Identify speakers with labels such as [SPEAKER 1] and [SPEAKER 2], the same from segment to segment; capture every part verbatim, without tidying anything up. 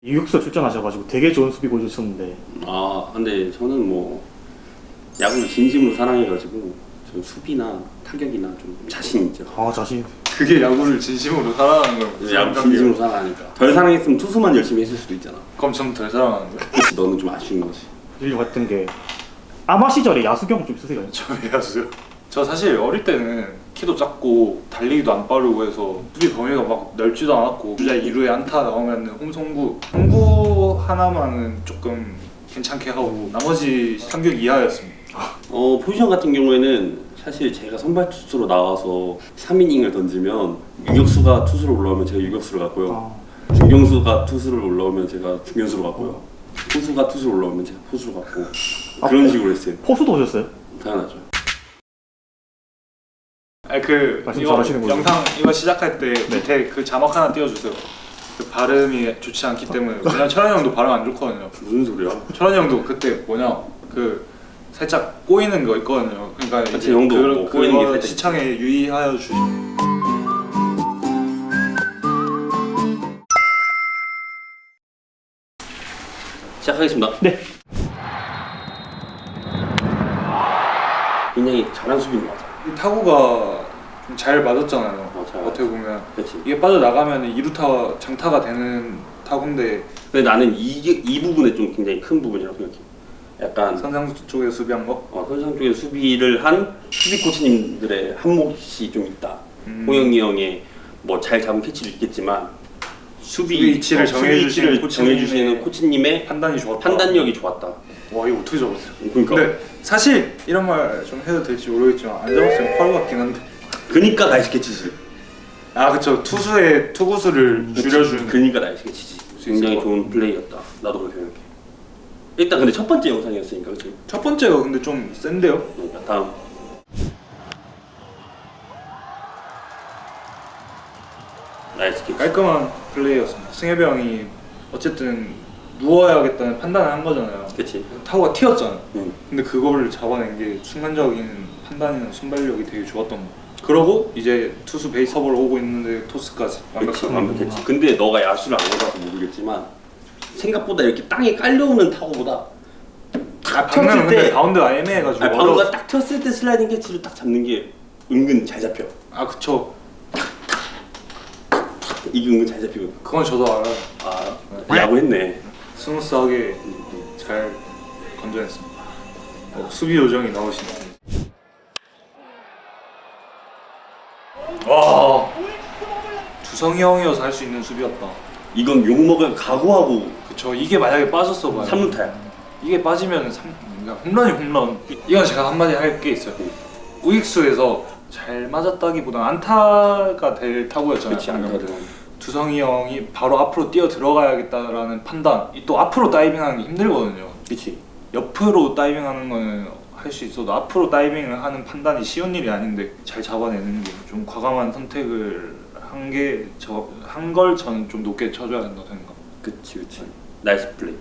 [SPEAKER 1] 유격수 출전하셔가지고 되게 좋은 수비 보여주셨는데.
[SPEAKER 2] 아 근데 저는 뭐 야구를 진심으로 사랑해가지고 저 수비나 타격이나 좀 자신 있죠.
[SPEAKER 1] 아 자신.
[SPEAKER 3] 그게 야구를 진심으로 사랑하는 거예요.
[SPEAKER 2] 야구 진심으로 사랑하니까. 덜 사랑했으면 투수만 열심히 했을 수도 있잖아.
[SPEAKER 3] 그럼 전 덜 사랑하는 거예요?
[SPEAKER 2] 그치, 너는 좀 아쉬운 거지.
[SPEAKER 1] 일리 같은 게 아마 시절에 야수 경험 좀 있으세요?
[SPEAKER 3] 저 야수요? 저 사실 어릴 때는 키도 작고 달리기도 안 빠르고 해서 수비 범위가 막 넓지도 않았고 주자 이 루에 안타 나오면 홈송구 송구 하나만은 조금 괜찮게 하고 나머지 상격 이하였습니다.
[SPEAKER 2] 어 포지션 같은 경우에는 사실 제가 선발 투수로 나와서 삼 이닝을 던지면 유격수가 투수로 올라오면 제가 유격수를 갔고요.
[SPEAKER 1] 아,
[SPEAKER 2] 중경수가 투수를 올라오면 제가 중견수로 갔고요. 포수가 투수로 올라오면 제가 포수로 갔고 그런 식으로 했어요.
[SPEAKER 1] 포수도 오셨어요?
[SPEAKER 2] 당연하죠.
[SPEAKER 3] 아니 그
[SPEAKER 1] 말씀
[SPEAKER 3] 이거
[SPEAKER 1] 잘하시는군요.
[SPEAKER 3] 영상 이거 시작할 때 밑에 그 자막 하나 띄워주세요. 그 발음이 좋지 않기 때문에 왜냐면 철환이 형도 발음 안 좋거든요.
[SPEAKER 2] 무슨 소리야?
[SPEAKER 3] 철환이 형도 그때 뭐냐 그 살짝 꼬이는 거 있거든요. 그러니까
[SPEAKER 2] 그치,
[SPEAKER 3] 이제
[SPEAKER 2] 형도
[SPEAKER 3] 그,
[SPEAKER 2] 뭐 꼬이는 게
[SPEAKER 3] 그거
[SPEAKER 2] 살짝
[SPEAKER 3] 시청에 유의하여 주시.
[SPEAKER 2] 시작하겠습니다.
[SPEAKER 1] 네.
[SPEAKER 2] 굉장히 잘한 수비인 것 같아.
[SPEAKER 3] 이 타구가 좀 잘 맞았잖아요.
[SPEAKER 2] 어, 잘
[SPEAKER 3] 어떻게 보면
[SPEAKER 2] 그렇지.
[SPEAKER 3] 이게 빠져나가면 이루타 장타가 되는 타구인데
[SPEAKER 2] 근데 나는 이, 이 부분에 좀 굉장히 큰 부분이라고 생각해. 약간
[SPEAKER 3] 선상 쪽에 수비한 거.
[SPEAKER 2] 어, 선상 쪽에 수비를 한 수비 코치님들의 한몫이 좀 있다.
[SPEAKER 3] 음.
[SPEAKER 2] 호영이 형의 뭐 잘 잡은 캐치도 있겠지만 수비,
[SPEAKER 3] 수비 위치를
[SPEAKER 2] 어,
[SPEAKER 3] 정해주시는
[SPEAKER 2] 수비 위치를
[SPEAKER 3] 코치님의
[SPEAKER 2] 정해주시는 코치님의
[SPEAKER 3] 판단이 좋았다.
[SPEAKER 2] 판단력이 좋았다.
[SPEAKER 3] 와 이거 어떻게 잡았어요?
[SPEAKER 2] 그러니까
[SPEAKER 3] 근데 사실 이런 말 좀 해도 될지 모르겠지만 안 잡았으면 파울 같긴 한데.
[SPEAKER 2] 그니까 나이스 캐치지.
[SPEAKER 3] 아 그쵸 투수의 투구수를 줄여주는.
[SPEAKER 2] 그니까 나이스 캐치지. 굉장히 좋은 플레이였다. 나도 그렇게 생각해. 일단 근데 첫 번째 영상이었으니까 그치?
[SPEAKER 3] 첫 번째가 근데 좀 센데요?
[SPEAKER 2] 그러니까 다음. 나이스 캐치.
[SPEAKER 3] 깔끔한 플레이였습니다. 승엽이 형이 어쨌든 누워야겠다는 판단을 한 거잖아요.
[SPEAKER 2] 그치.
[SPEAKER 3] 타구가 튀었잖아.
[SPEAKER 2] 응.
[SPEAKER 3] 근데 그거를 잡아낸 게 순간적인 판단이나 순발력이 되게 좋았던 거. 그러고 이제 투수 베이스 커버로 오고 있는데 토스까지
[SPEAKER 2] 그치,
[SPEAKER 3] 완벽한
[SPEAKER 2] 완벽했지. 근데 너가 야수를 안 해봐서 모르겠지만 생각보다 이렇게 땅에 깔려오는 타구보다 딱
[SPEAKER 3] 방금
[SPEAKER 2] 튀었을
[SPEAKER 3] 근데
[SPEAKER 2] 때
[SPEAKER 3] 바운드가 애매해가지고
[SPEAKER 2] 아니,
[SPEAKER 3] 어려웠어.
[SPEAKER 2] 방구가 딱 튀었을 때 슬라이딩 캐치를 딱 잡는 게 은근 잘 잡혀.
[SPEAKER 3] 아 그쵸.
[SPEAKER 2] 이게 은근 잘 잡히거든.
[SPEAKER 3] 그건 저도 알아요.
[SPEAKER 2] 아 야구했네.
[SPEAKER 3] 스무스하게 잘 건져냈습니다. 어, 수비 요정이 나오시네. 와 두성이 형이어서 할 수 있는 수비였다.
[SPEAKER 2] 이건 욕 먹을 각오하고
[SPEAKER 3] 그쵸. 이게 만약에 빠졌어 봐요.
[SPEAKER 2] 삼 루타야.
[SPEAKER 3] 이게 빠지면 삼, 그러니까 홈런이 홈런. 이건 제가 한마디 할 게 있어요. 우익수에서 잘 맞았다기보다 안타가 될 타구였잖아요.
[SPEAKER 2] 그렇지 않다 들어.
[SPEAKER 3] 두성이 형이 바로 앞으로 뛰어 들어가야겠다라는 판단. 또 앞으로 다이빙하는 게 힘들거든요.
[SPEAKER 2] 그렇지.
[SPEAKER 3] 옆으로 다이빙하는 거는 할 수 있어도 앞으로 다이빙을 하는 판단이 쉬운 일이 아닌데 잘 잡아내는 게 좀 과감한 선택을 한 게 저 한 걸 저는 좀 높게 쳐줘야 된다고 생각.
[SPEAKER 2] 그렇지 그렇지. 나이스 플레이.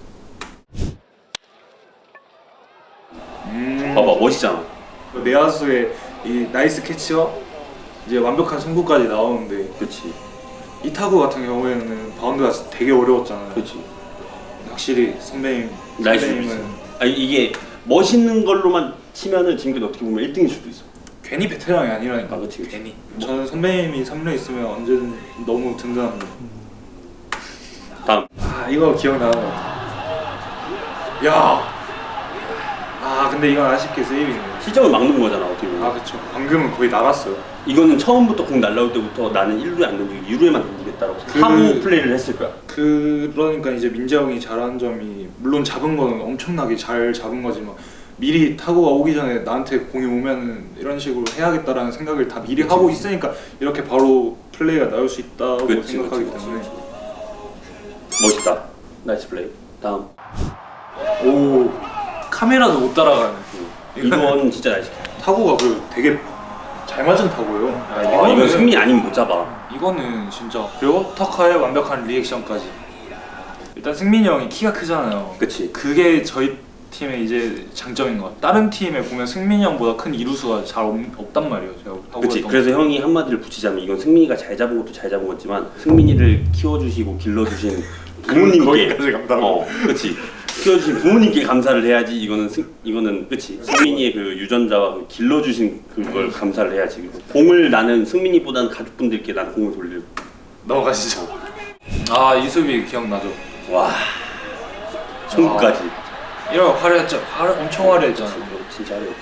[SPEAKER 3] 음.
[SPEAKER 2] 봐봐 멋있잖아.
[SPEAKER 3] 내야수의 이 나이스 캐치와 이제 완벽한 송구까지 나오는데
[SPEAKER 2] 그렇지.
[SPEAKER 3] 이 타구 같은 경우에는 바운드가 되게 어려웠잖아요.
[SPEAKER 2] 그렇지.
[SPEAKER 3] 확실히 선배님
[SPEAKER 2] 나이스
[SPEAKER 3] 선배님은
[SPEAKER 2] 아니 이게 멋있는 걸로만 치면은 지금까지 어떻게 보면 일 등일 수도 있어.
[SPEAKER 3] 괜히 베테랑이 아니라니까.
[SPEAKER 2] 아, 그치, 그치.
[SPEAKER 3] 괜히. 저는 선배님이 삼 루 있으면 언제든 너무 든든합니다.
[SPEAKER 2] 다음.
[SPEAKER 3] 아 이거 기억나는 것 같아. 야. 아 근데 이건 아쉽게 세이빙이네.
[SPEAKER 2] 시점을 막는 거잖아 어떻게 보면.
[SPEAKER 3] 아 그쵸. 방금은 거의 나갔어요.
[SPEAKER 2] 이거는 처음부터 공 날라올 때부터 나는 일 루에 안 던지고 이 루에만 던지겠다라고
[SPEAKER 3] 그-
[SPEAKER 2] 하고 플레이를 했을 거야.
[SPEAKER 3] 그러니까 이제 민재 형이 잘한 점이 물론 잡은 거는 엄청나게 잘 잡은 거지만 미리 타구가 오기 전에 나한테 공이 오면은 이런 식으로 해야겠다라는 생각을 다 미리
[SPEAKER 2] 그치,
[SPEAKER 3] 하고
[SPEAKER 2] 그치.
[SPEAKER 3] 있으니까 이렇게 바로 플레이가 나올 수 있다고
[SPEAKER 2] 그치,
[SPEAKER 3] 생각하기
[SPEAKER 2] 그치, 그치,
[SPEAKER 3] 때문에.
[SPEAKER 2] 멋있다. 나이스 플레이. 다음.
[SPEAKER 3] 오 카메라도 못 따라가는.
[SPEAKER 2] 이건 진짜 나이스.
[SPEAKER 3] 타구가 그 되게 잘 맞은 타구예요.
[SPEAKER 2] 아 이건 승리 아니면 못 잡아.
[SPEAKER 3] 이거는 진짜. 그리고 타카의 완벽한 리액션까지. 일단 승민이 형이 키가 크잖아요.
[SPEAKER 2] 그치.
[SPEAKER 3] 그게 저희 팀의 이제 장점인 것 같아요. 다른 팀에 보면 승민이 형보다 큰 이루수가 잘 없, 없단 말이에요. 제가 타구가
[SPEAKER 2] 그치.
[SPEAKER 3] 너무-
[SPEAKER 2] 그래서 형이 한마디를 붙이자면 이건 승민이가 잘 잡은 것도 잘 잡은 거지만 승민이를 키워주시고 길러주신 부모님께
[SPEAKER 3] 거기까지 간다고.
[SPEAKER 2] 어, 그렇지. 키워주신 부모님께 감사를 해야지. 이거는 승, 이거는 그렇지. 승민이의 그 유전자와 그 길러주신 그걸 감사를 해야지. 공을 나는 승민이보다는 가족분들께 나는 공을 돌리고.
[SPEAKER 3] 넘어가시죠. 아 이수비 기억나죠?
[SPEAKER 2] 와, 송구까지.
[SPEAKER 3] 이런 거 화려했죠. 화려, 엄청 화려했잖아.
[SPEAKER 2] 진짜 어려웠지.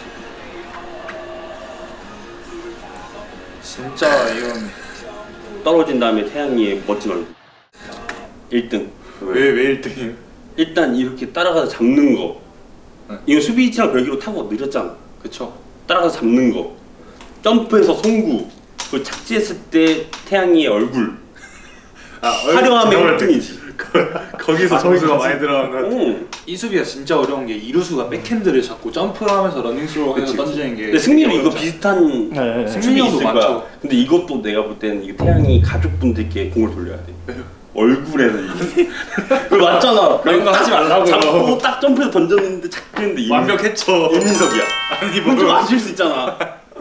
[SPEAKER 3] 진짜 이런
[SPEAKER 2] 떨어진 다음에 태양이의 멋진 얼굴. 일 등.
[SPEAKER 3] 왜왜 일 등이에요?
[SPEAKER 2] 일단 이렇게 따라가서 잡는 거.
[SPEAKER 3] 네.
[SPEAKER 2] 이거 수비 위치랑 별개로 타고 느렸잖아.
[SPEAKER 3] 그쵸.
[SPEAKER 2] 따라가서 잡는 거. 점프해서 송구. 그 착지했을 때 태양이의 얼굴.
[SPEAKER 3] 아,
[SPEAKER 2] 화려함의 일 등이지.
[SPEAKER 3] 거기서
[SPEAKER 1] 아,
[SPEAKER 3] 점수가
[SPEAKER 1] 거기까지?
[SPEAKER 3] 많이 들어간 것 같아.
[SPEAKER 2] 응.
[SPEAKER 3] 이 수비가 진짜 어려운 게 이루수가 백핸드를 잡고 점프하면서 러닝스로 해서
[SPEAKER 2] 그치,
[SPEAKER 3] 던지는 게.
[SPEAKER 2] 근데 승민이 이거
[SPEAKER 3] 어렵잖아.
[SPEAKER 2] 비슷한
[SPEAKER 1] 네, 네, 네.
[SPEAKER 2] 승민이
[SPEAKER 3] 승민이
[SPEAKER 2] 있을
[SPEAKER 3] 형도
[SPEAKER 2] 거야.
[SPEAKER 3] 많죠.
[SPEAKER 2] 근데 이것도 내가 볼 때는 이거 태양이 가족분들께 공을 돌려야 돼. 얼굴에서 이게. 그거 맞잖아.
[SPEAKER 3] 그런 거 하지 말라고요.
[SPEAKER 2] 잡고 딱 점프해서 던졌는데 착했는데 이민-
[SPEAKER 3] 완벽했죠.
[SPEAKER 2] 이민석이야.
[SPEAKER 3] 아니
[SPEAKER 2] 이건 좀
[SPEAKER 3] 뭐
[SPEAKER 2] 아실 수 있잖아.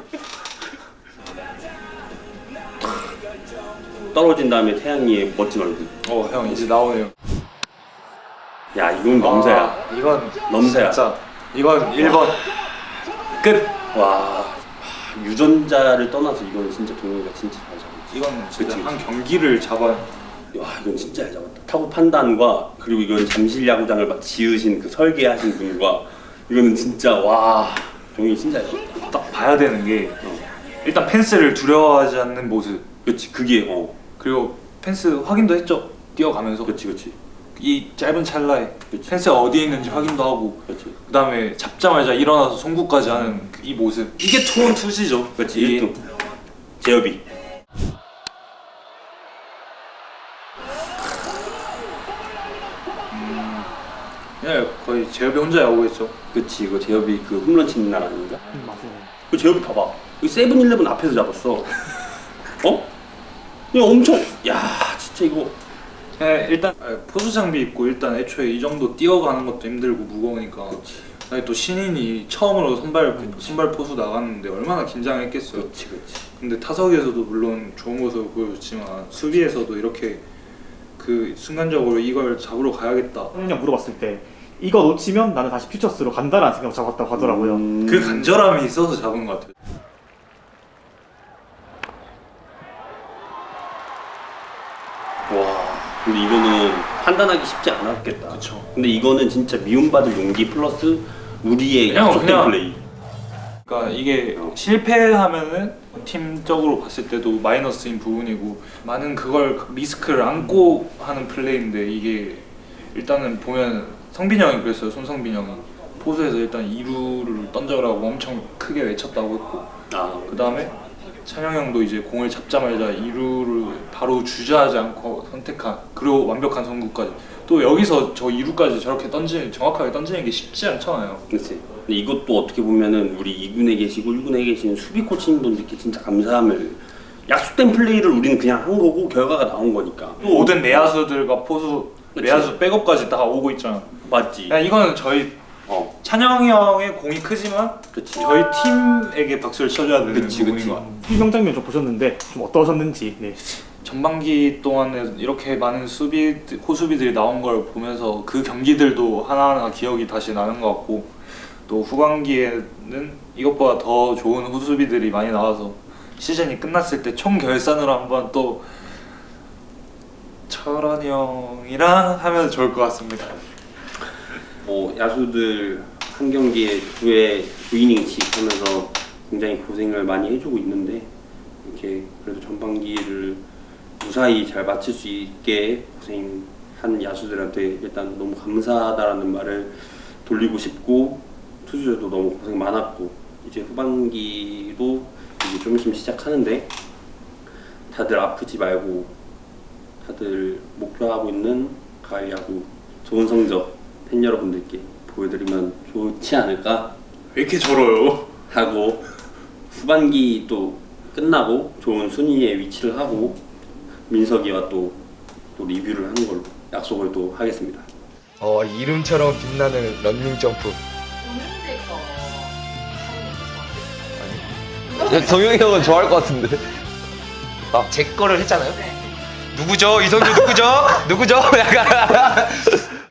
[SPEAKER 2] 떨어진 다음에 태양이의 멋진 얼굴.
[SPEAKER 3] 어, 형 이제 나오네요.
[SPEAKER 2] 야, 이건 넘사야.
[SPEAKER 3] 아, 이건
[SPEAKER 2] 넘사야.
[SPEAKER 3] 진짜 이건 일 번 끝.
[SPEAKER 2] 와, 유전자를 떠나서 이건 진짜 동료가 진짜 잘 잡았지.
[SPEAKER 3] 이건 진짜
[SPEAKER 2] 그치,
[SPEAKER 3] 한 경기를 잡아.
[SPEAKER 2] 와, 이건 진짜 잘 잡았다. 타구 판단과 그리고 이건 잠실 야구장을 막 지으신 그 설계하신 분과 이거는 진짜 와, 동이 진짜 잘 잡았다.
[SPEAKER 3] 딱 봐야 되는 게
[SPEAKER 2] 어.
[SPEAKER 3] 일단 펜스를 두려워하지 않는 모습.
[SPEAKER 2] 그렇지, 그게 어,
[SPEAKER 3] 그리고 펜스 확인도 했죠. 뛰어가면서.
[SPEAKER 2] 그렇지, 그렇지,
[SPEAKER 3] 이 짧은 찰나에
[SPEAKER 2] 그치.
[SPEAKER 3] 펜스가 어디에 있는지 확인도 하고
[SPEAKER 2] 그렇지.
[SPEAKER 3] 그 다음에 잡자마자 일어나서 송구까지 하는 그이 모습. 이게 투원 투시죠.
[SPEAKER 2] 그렇지,
[SPEAKER 3] 이게
[SPEAKER 2] 일 등. 제협이.
[SPEAKER 3] 그냥 거의 제협이 혼자 야구했죠.
[SPEAKER 2] 그렇지, 이거 제협이 그 홈런 치는 날 아닌가?
[SPEAKER 1] 음, 맞아요.
[SPEAKER 2] 그 제협이 봐봐. 이 세븐일레븐 앞에서 잡았어. 어? 이거 엄청. 야, 진짜 이거.
[SPEAKER 3] 네, 일단 아, 포수 장비 입고 일단 애초에 이 정도 뛰어가는 것도 힘들고 무거우니까. 아니 또 신인이 처음으로 선발 선발 포수 나갔는데 얼마나 긴장했겠어요.
[SPEAKER 2] 그렇지, 그렇지.
[SPEAKER 3] 근데 타석에서도 물론 좋은 모습을 보여줬지만 수비에서도 이렇게 그 순간적으로 이걸 잡으러 가야겠다.
[SPEAKER 1] 그냥 물어봤을 때 이거 놓치면 나는 다시 퓨처스로 간다라는 생각을 잡았다고 하더라고요.
[SPEAKER 2] 음.
[SPEAKER 3] 그 간절함이 있어서 잡은 것 같아요.
[SPEAKER 2] 와, 근데 이거는 판단하기 쉽지 않았겠다.
[SPEAKER 3] 그쵸.
[SPEAKER 2] 근데 이거는 진짜 미움받을 용기 플러스 우리의
[SPEAKER 3] 그냥,
[SPEAKER 2] 약속된
[SPEAKER 3] 그냥
[SPEAKER 2] 플레이.
[SPEAKER 3] 그러니까 이게
[SPEAKER 2] 어.
[SPEAKER 3] 실패하면은 팀적으로 봤을 때도 마이너스인 부분이고 많은 그걸 리스크를 안고 하는 플레이인데 이게 일단은 보면 성빈이 형이 그랬어요. 손성빈 형이 포수에서 일단 이 루를 던져라고 엄청 크게 외쳤다고 했고
[SPEAKER 2] 아,
[SPEAKER 3] 그 다음에 찬영 형도 이제 공을 잡자마자 이 루를 바로 주저하지 않고 선택한 그리고 완벽한 선구까지 또 여기서 저 이 루까지 저렇게 던지는 정확하게 던지는 게 쉽지 않잖아요.
[SPEAKER 2] 그렇지. 근데 이것도 어떻게 보면은 우리 이 군에 계시고 일 군에 계신 수비 코치님분들께 진짜 감사함을 약속된 플레이를 우리는 그냥 한 거고 결과가 나온 거니까. 또
[SPEAKER 3] 모든 내야수들과 포수
[SPEAKER 2] 그치.
[SPEAKER 3] 내야수 백업까지 다 오고 있잖아.
[SPEAKER 2] 맞지.
[SPEAKER 3] 야, 이거는 저희
[SPEAKER 2] 어,
[SPEAKER 3] 찬영이 형의 공이 크지만
[SPEAKER 2] 그렇지.
[SPEAKER 3] 저희 팀에게 박수를 쳐줘야 되는
[SPEAKER 2] 그치,
[SPEAKER 3] 부분인
[SPEAKER 2] 그치.
[SPEAKER 3] 것 같아요.
[SPEAKER 1] 이 명장면 좀 보셨는데 좀 어떠셨는지. 네.
[SPEAKER 3] 전반기 동안에 이렇게 많은 수비 호수비들이 나온 걸 보면서 그 경기들도 하나하나 기억이 다시 나는 것 같고 또 후반기에는 이것보다 더 좋은 호수비들이 많이 나와서 시즌이 끝났을 때 총 결산으로 한번 또 철원이 형이랑 하면 좋을 것 같습니다.
[SPEAKER 2] 뭐 야수들 한 경기에 구회 구 이닝씩 하면서 굉장히 고생을 많이 해주고 있는데 이렇게 그래도 전반기를 무사히 잘 마칠 수 있게 고생한 야수들한테 일단 너무 감사하다라는 말을 돌리고 싶고 투수들도 너무 고생 많았고 이제 후반기도 이제 좀 있으면 시작하는데 다들 아프지 말고 다들 목표하고 있는 가을 야구 좋은 성적 팬 여러분들께 보여드리면 좋지 않을까
[SPEAKER 3] 왜 이렇게 절어요?
[SPEAKER 2] 하고 후반기 또 끝나고 좋은 순위에 위치를 하고 민석이와 또, 또 리뷰를 하는 걸로 약속을 또 하겠습니다.
[SPEAKER 4] 어, 이름처럼 빛나는 런닝 점프.
[SPEAKER 5] 동영이 형은 좋아할 것 같은데.
[SPEAKER 4] 제 거를 했잖아요. 누구죠? 이 선수 누구죠? 누구죠? 약간